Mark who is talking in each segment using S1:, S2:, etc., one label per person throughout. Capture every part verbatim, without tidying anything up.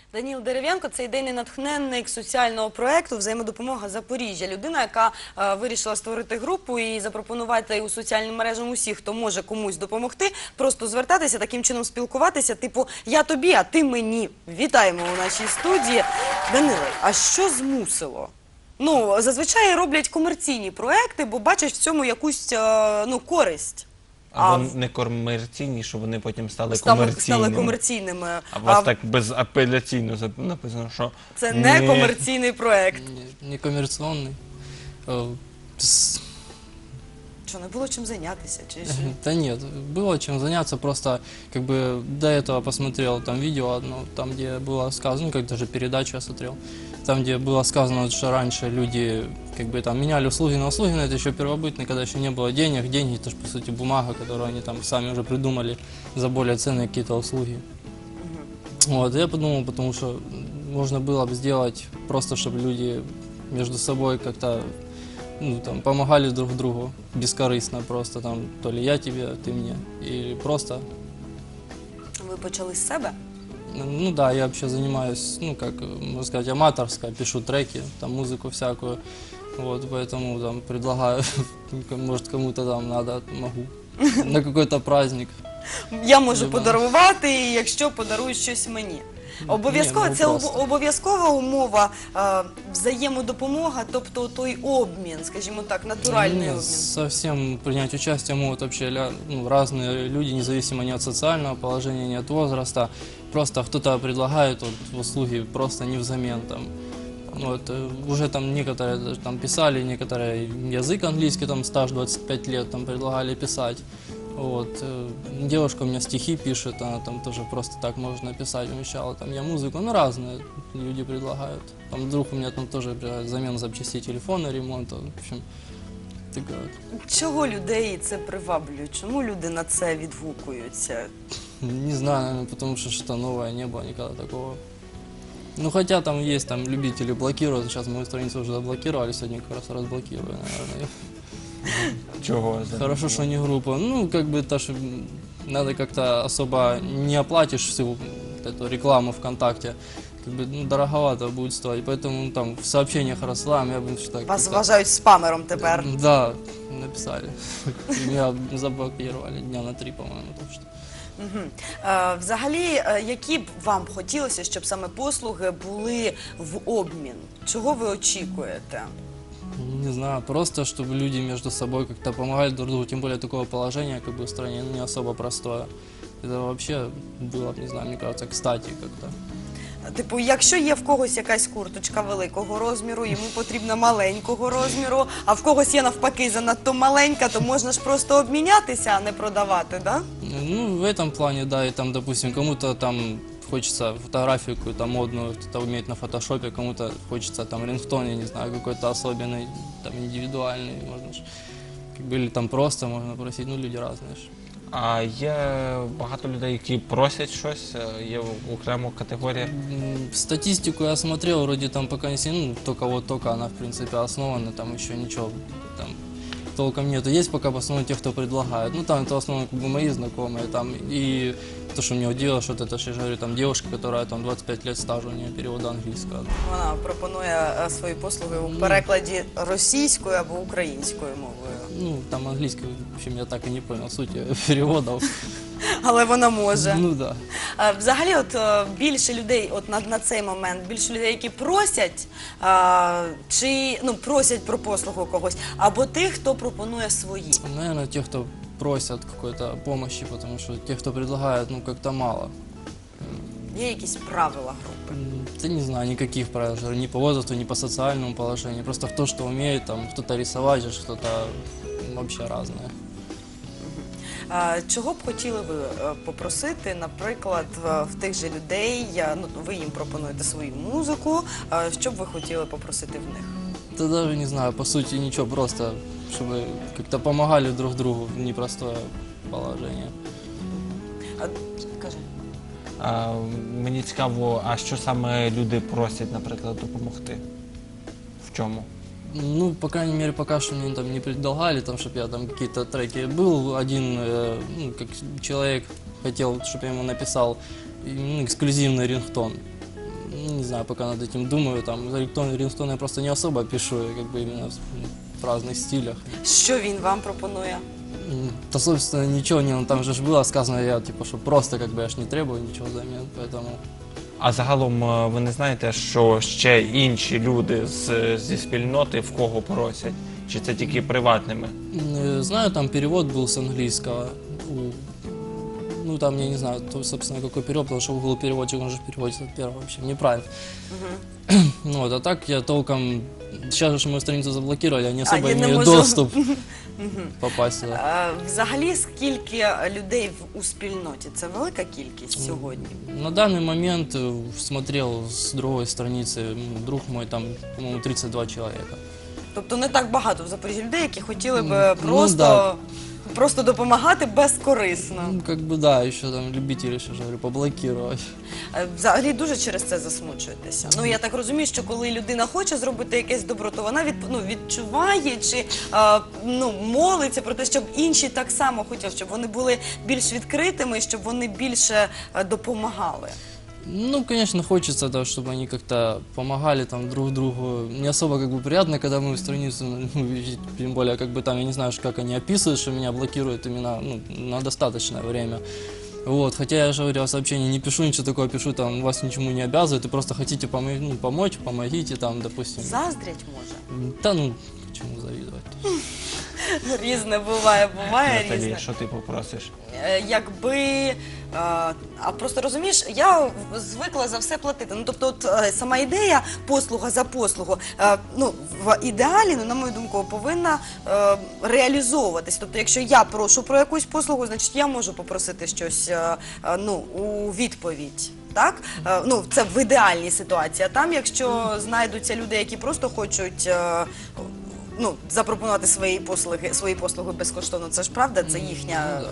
S1: Даніл Дерев'янко – це ідейний натхненник соціального проєкту «Взаємодопомога Запоріжжя». Людина, яка е, вирішила створити групу і запропонувати у соціальним мережам усіх, хто може комусь допомогти, просто звертатися, таким чином спілкуватися, типу «я тобі, а ти мені». Вітаємо у нашій студії. Даниле, а що змусило? Ну, зазвичай роблять комерційні проекти, бо бачать в цьому якусь е, ну, користь.
S2: А вони не комерційні, що вони потім стали
S1: Стали,
S2: комерційними.
S1: стали комерційними.
S2: А у вас так безапеляційно написано, що...
S1: Це не комерційний проект.
S3: Не, не коммерционный. Э, с-
S1: Що, не було чим зайнятися? Чи що?
S3: Да нет, было чем заняться, просто как бы до этого посмотрел там видео одно, там где было сказано, ну как даже передачу я смотрел, там где было сказано, вот, что раньше люди как бы там меняли услуги на услуги, но это еще первобытно, когда еще не было денег, деньги это же по сути бумага, которую они там сами уже придумали за более ценные какие-то услуги. Вот, я подумал, потому что можно было бы сделать просто, чтобы люди между собой как-то ну, там, помогали друг другу бескорыстно просто, там, то ли я тебе, ты мне, или просто,
S1: Ви почали з себе?
S3: ну да, я вообще занимаюсь, ну, как, можно сказать, аматорско, пишу треки, там, музыку всякую, вот, поэтому, там, предлагаю, может, кому-то там надо, могу, на какой-то праздник.
S1: Я можу
S3: Люба.
S1: подарувати, якщо подаруєш щось мені. Обов'язково,
S3: Ні, ну,
S1: це об-
S3: просто.
S1: обов'язкова умова, е, взаємодопомога, тобто той обмін, скажімо так, натуральний
S3: Нет,
S1: обмін.
S3: совсем принять участие могут вообще ля- ну, разные люди, независимо ни от социального положения, ни от возраста. Просто кто-то предлагает вот, услуги просто не взамен. Там. Вот, э, уже там некоторые даже там писали, некоторые язык английский, там стаж двадцать пять лет, там предлагали писать. Вот, э, девушка у меня стихи пишет, она там тоже просто так можно написать, умещала, там я музыку, ну разные люди предлагают. Там вдруг у меня там тоже предлагают замену запчастей телефона, ремонта, в общем, такая вот.
S1: Чого людей це приваблює? Чому люди на це відгукуються?
S3: Не знаю, наверное, потому что что-то новое, не было никогда такого. Ну, хотя там есть там любители блокируют, сейчас мою страницу уже заблокировали, сегодня как раз разблокирую, наверное.
S2: Чого? за-
S3: Хорошо, что не группа. Ну, как бы это ж м, надо как-то особо не оплатишь всю вот эту рекламу ВКонтакте. Как бы ну, дороговато будет стоить. Поэтому ну, там в сообщениях рассылаем, я бы что так.
S1: Вас
S3: как-то-
S1: вважають спамером тепер.
S3: Да, написали. И меня заблокировали дня на три, по-моему, так что.
S1: Мгм. Е, Взагалі, е, які б вам хотілося, щоб саме послуги були в обмін? Чого ви очікуєте?
S3: Не знаю, просто чтобы люди между собой как-то помогали друг другу, тем более такого положения как бы в стране ну, не особо простое. Это вообще было, не знаю, мне кажется, кстати как-то.
S1: Типу, якщо є в когось якась курточка великого розміру, йому потрібна маленького розміру, а в когось є навпаки занадто маленька, то можна ж просто обмінятися, а не продавати, да?
S3: Ну, в этом плане, да, и там, допустим, кому-то там хочется фотографию какую-то модную, кто-то умеет на фотошопе, кому-то хочется там рингтон, я не знаю, какой-то особенный, там, индивидуальный, можно ж, как бы, или там просто можно просить, ну, люди разные ж.
S2: А є багато людей, які просять щось, е, є окрема категорія.
S3: М, Статистику я смотрел, вроде там пока не сильно, ну, только вот только она, в принципе, основана, там еще ничего там толком нету. Есть пока в основном те, кто предлагает. Ну, там это в основном как бы мои знакомые, там, и то, что меня удивило, что вот это, что я же говорю, там девушка, которая там двадцать пять лет стажа, у нее перевода английского.
S1: Вона пропонує е, свої послуги у перекладі російською або українською мовою.
S3: Ну, там английский, в общем, я так и не понял сути переводов.
S1: Але вона може.
S3: Ну, да.
S1: Е, Взагалі, от е, більше людей, от на, на цей момент, більше людей, які просять, е, чи ну просять про послугу когось, або тих, хто пропонує свої.
S3: Наверное, те, кто просят какой-то помощи, потому что те, кто предлагает, ну, как-то мало.
S1: Є якісь правила групи.
S3: М, Да не знаю, никаких правил, же, ни по возрасту, ни по социальному положению. Просто кто что умеет, там кто-то рисовать, же, кто-то вообще разное.
S1: Е, Чого б хотіли ви е, попросити, наприклад, в, в тих же людей, я, ну, ви їм пропонуєте свою музику, е, що б ви хотіли попросити в них?
S3: Да даже не знаю, по сути ничего, просто чтобы как-то помогали друг другу в непростое положение.
S1: А, кажи.
S2: А, мені цікаво, а що саме люди просять, наприклад, допомогти? В чому?
S3: Ну, по крайней мере, пока что мне там не предлагали, там, чтобы я там какие-то треки. Был один, э, ну, как человек хотел, чтобы я ему написал ну, эксклюзивный рингтон. ну, не знаю, пока над этим думаю, там, рингтон, рингтон я просто не особо пишу, я как бы именно в, в разных стилях.
S1: Що він вам пропонує?
S3: М, Да, собственно, ничего не, ну, там же ж было сказано, я, типа, что просто, как бы, я ж не требую ничего взамен, поэтому...
S2: А загалом е, ви не знаєте, що ще інші люди з, зі спільноти в кого просять? Чи це тільки приватними?
S3: М, Знаю, там перевод был с английского. у- Ну, там, я не знаю, то, собственно, какой перевод, потому что Google переводчик, он же переводит от первого вообще неправильно. Ну, вот, а так я толком... Сейчас же мою страницу заблокировали, я не особо
S1: я не
S3: имею
S1: можу.
S3: доступ попасть туда.
S1: Е, Взагалі, скільки людей в- у спільноті? Це велика кількість сьогодні?
S3: На данный момент э, смотрел с другой страницы, м, друг мой, там, по-моему, тридцать два человека.
S1: Тобто не так багато в Запоріжжі людей, які хотіли б
S3: Ну,
S1: просто,
S3: да.
S1: просто допомагати безкорисно.
S3: Ну, как бы да, еще там любители, еще же говорю, поблокировать.
S1: Е, Взагалі дуже через це засмучуєтеся. Ну я так розумію, що коли людина хоче зробити якесь добро, то вона від, ну, відчуває чи е, ну, молиться про те, щоб інші так само хотіли, щоб вони були більш відкритими, щоб вони більше е, допомагали.
S3: Ну, конечно, хочется, да, чтобы они как-то помогали там друг другу. Не особо как бы приятно, когда мою страницу, ну, видеть, тем более, как бы там, я не знаю, как они описывают, что меня блокируют именно, ну, на достаточное время. Вот, хотя я же говорил, сообщение не пишу, ничего такого пишу, там, вас ничему не обязывают, и просто хотите помо- ну, помочь, помогите, там, допустим.
S1: Заздрять може?
S3: Да, ну, чему завидовать?
S1: Різне буває, буває
S2: Наталі,
S1: різне.
S2: що ти попросиш?
S1: Е, Якби, е, а просто розумієш, я в- звикла за все платити. Ну, тобто, от, е, сама ідея послуга за послугу, е, ну, в ідеалі, ну, на мою думку, повинна е, реалізовуватись. Тобто, якщо я прошу про якусь послугу, значить я можу попросити щось е, е, ну, у відповідь. Так? Е, Ну, це в ідеальній ситуації. А там, якщо знайдуться люди, які просто хочуть е, ну, запропонувати свої послуги, свої послуги безкоштовно, це ж правда, це їхня.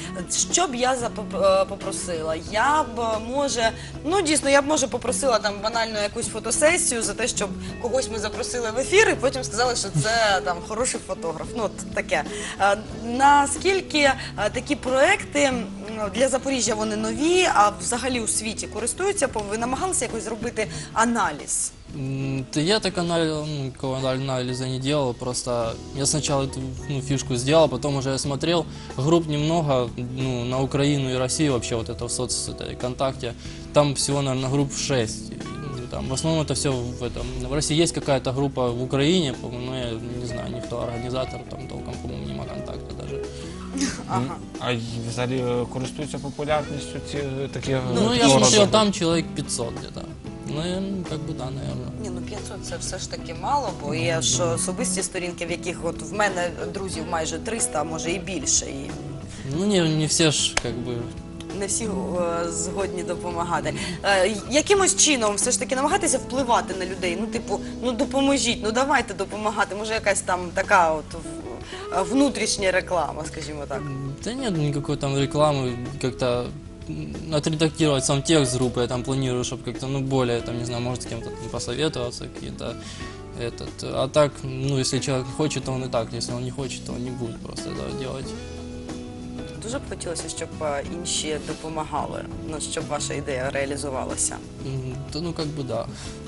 S1: Що б я запоп- е, попросила? Я б, е, може, ну дійсно, я б може попросила там банально якусь фотосесію за те, щоб когось ми запросили в ефір і потім сказали, що це там хороший фотограф. Ну, от таке. Е, Наскільки е, такі проекти м, для Запоріжжя вони нові, а взагалі у світі користуються, ви намагалися якось зробити аналіз?
S3: М, Да я так анализ, ну, никакого анализа не делал, просто я сначала эту, ну, фишку сделал, потом уже я смотрел, групп немного, ну, на Украину и Россию вообще вот это в соцсети, ВКонтакте, там всего, наверное, групп шесть. И, ну, там, в основном это все в этом. В России есть какая-то группа в Украине, по-моему, но я не знаю, никто организатор, там толком, по-моему, нема контакта даже.
S1: Ага.
S2: А й взагалі е, користуються популярністю ці е, такі е,
S3: Ну, я
S2: форуми?
S3: смотрел, там человек пятьсот где-то. Ну, я, ну, как бы да, наверное.
S1: Ні, ну п'ятсот це все ж таки мало, бо є ж особисті сторінки, в яких от в мене друзів майже триста, а може і більше. І
S3: Ну, не, не все ж, как бы,
S1: не всі е, згодні допомагати. Е, якимось чином все ж таки намагатися впливати на людей. Ну, типу, ну допоможіть, ну давайте допомагати. Може, якась там така от в- внутрішня реклама, скажімо так.
S3: да нет никакой там рекламы, как-то м, отредактировать сам текст группы, я там планирую, чтобы как-то, ну, более, там, не знаю, может, с кем-то там посоветоваться, какие-то, этот, а так, ну, если человек хочет, то он и так, если он не хочет, то он не будет просто этого делать.
S1: Дуже б хотілося, щоб е, інші допомагали, ну, щоб ваша ідея реалізувалася.
S3: М, Да, ну, как бы, да.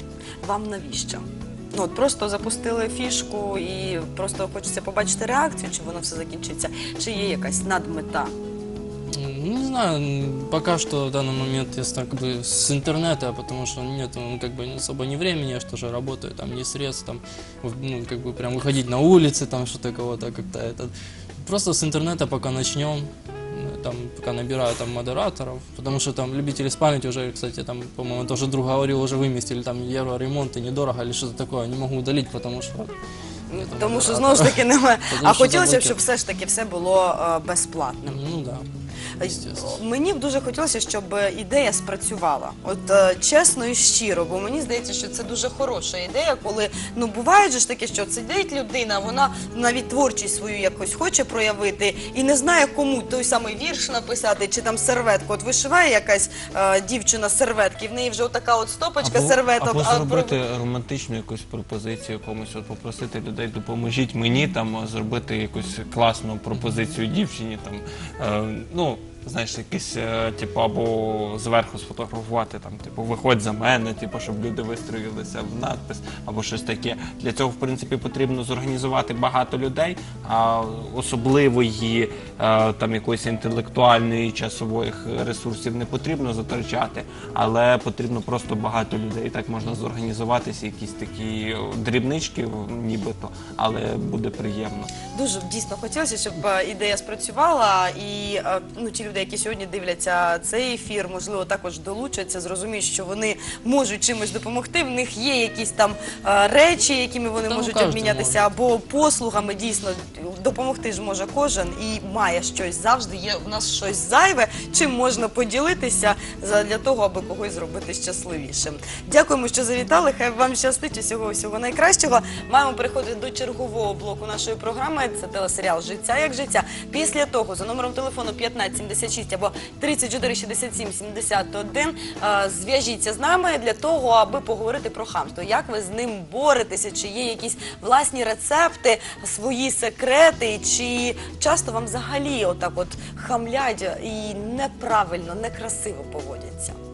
S1: Вам навіщо? Ну, от просто запустили фішку і просто хочеться побачити реакцію, чи воно все закінчиться, чи є якась надмета.
S3: М, Ну, не знаю, м, пока что в данный момент я с- как бы с интернета, потому что нет, ну, как бы особо не времени, я же тоже работаю, там не средств, там, в- ну, как бы прям выходить на улицы, там что-то кого-то как-то это. Просто с интернета пока начнем, э, там, пока набираю там модераторов, потому что там любители спамить уже, кстати, там, по-моему, тоже друг говорил, уже выместили там евро ремонт недорого или что-то такое, не могу удалить, потому что...
S1: Ну,
S3: нету
S1: тому що
S3: модератора.
S1: знову ж таки немає.
S3: Тому
S1: А
S3: що
S1: хотілося б,
S3: заблокировано.
S1: щоб все ж таки все було е, безплатним.
S3: Ну да, естественно.
S1: Мені б дуже хотілося, щоб ідея спрацювала. От е, чесно і щиро, бо мені здається, що це дуже хороша ідея, коли ну буває же ж таке, що сидить людина, вона навіть творчість свою якось хоче проявити і не знає, кому той самий вірш написати чи там серветку. От вишиває якась е, дівчина серветки, в неї вже отака от стопочка
S2: Або,
S1: серветок.
S2: або
S1: а
S2: зробити романтичну якусь пропозицію комусь, от попросити людей, допоможіть мені там зробити якусь класну пропозицію дівчині. Там, е, ну, знаєш, якийсь, е, типу, або зверху сфотографувати, там, типу, виходь за мене, типу, щоб люди вистроїлися в надпис, або щось таке. Для цього, в принципі, потрібно зорганізувати багато людей, а особливої е, там якоїсь інтелектуальної часових ресурсів не потрібно затрачати, але потрібно просто багато людей. Так можна зорганізуватися, якісь такі дрібнички, нібито, але буде приємно.
S1: Дуже б дійсно хотілося, щоб е, ідея спрацювала, і е, ну, ті люди, які сьогодні дивляться цей ефір, можливо, також долучаться, зрозуміють, що вони можуть чимось допомогти. В них є якісь там е, речі, якими вони
S3: Та ну,
S1: можуть
S3: кожен
S1: обмінятися, або послугами. Дійсно, допомогти ж може кожен і має щось. Завжди є в нас щось зайве, чим можна поділитися для того, аби когось зробити щасливішим. Дякуємо, що завітали. Хай вам щастить, усього всього найкращого. Маємо переходити до чергового блоку нашої програми. Це телесеріал «Життя як життя». Після того за номером телефону п'ятнадцять сімдесят шість або тридцять чотири шістдесят сім сімдесят один е, зв'яжіться з нами для того, аби поговорити про хамство. Як ви з ним боретеся? Чи є якісь власні рецепти, свої секрети? Чи часто вам взагалі отак от хамлять і неправильно, некрасиво поводяться?